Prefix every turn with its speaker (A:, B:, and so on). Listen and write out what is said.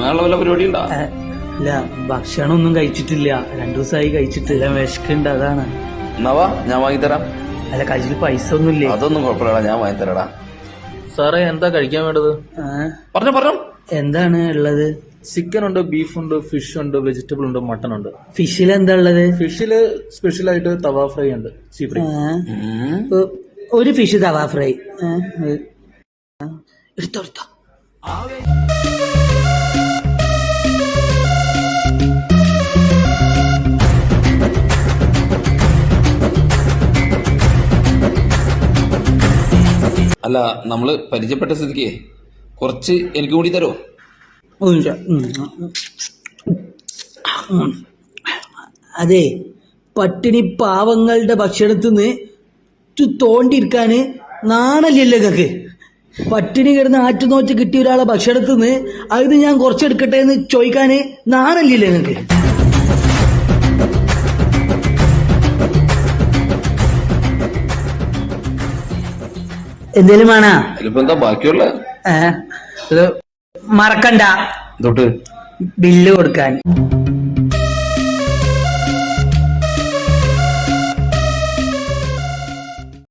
A: വാങ്ങാനുള്ള വല്ല പരിപാടി ഉണ്ടാ?
B: ഇല്ല, ഭക്ഷണം ഒന്നും കഴിച്ചിട്ടില്ല. 2 ദിവസമായി കഴിച്ചിട്ടില്ല. വിശക്കുണ്ട്, അതാണ്.
A: എന്നാവാ, ഞാൻ വാങ്ങിത്തരാം.
B: അല്ല, കയ്യിൽ പൈസ ഒന്നുമില്ലേ?
A: അതൊന്നും കുഴപ്പമില്ലടാ, ഞാൻ വാങ്ങിത്തരാടാ.
C: സാറേ, എന്താ കഴിക്കാൻ വേണ്ടത്?
A: പറഞ്ഞോ.
B: എന്താണ് ഉള്ളത്?
C: ചിക്കൻ ഉണ്ട്, ബീഫ് ഉണ്ട്, ഫിഷ് ഉണ്ട്, വെജിറ്റബിൾ ഉണ്ട്, മട്ടൺ ഉണ്ട്.
B: ഫിഷിൽ എന്താ ഉള്ളത്?
C: ഫിഷില് സ്പെഷ്യൽ ആയിട്ട് തവ ഫ്രൈ ഉണ്ട്, സീ ഫ്രൈ.
B: ഒരു ഫിഷ് തവ ഫ്രൈ എടുത്തോ.
A: അല്ല, നമ്മള് പരിചയപ്പെട്ട സ്ഥിതിക്ക് കുറച്ച് എനിക്ക് കൂടി തരുമോ?
B: അതെ, പട്ടിണി പാവങ്ങളുടെ ഭക്ഷണത്തിന്ന് തോണ്ടിരിക്കാന് നാണല്ലല്ലോ നിങ്ങക്ക്. പട്ടിണി കിടന്ന് ആറ്റുനോറ്റ് കിട്ടിയ ഒരാളെ ഭക്ഷണത്തിന്ന് അത് ഞാൻ കുറച്ചെടുക്കട്ടെ എന്ന് ചോദിക്കാന് നാണല്ലല്ലോ നിങ്ങക്ക്. എന്തേലും വേണ?
A: അതിലിപ്പോ എന്താ ബാക്കിയുള്ള?
B: മറക്കണ്ട
A: തൊട്ട്
B: ബില്ല് കൊടുക്കാൻ.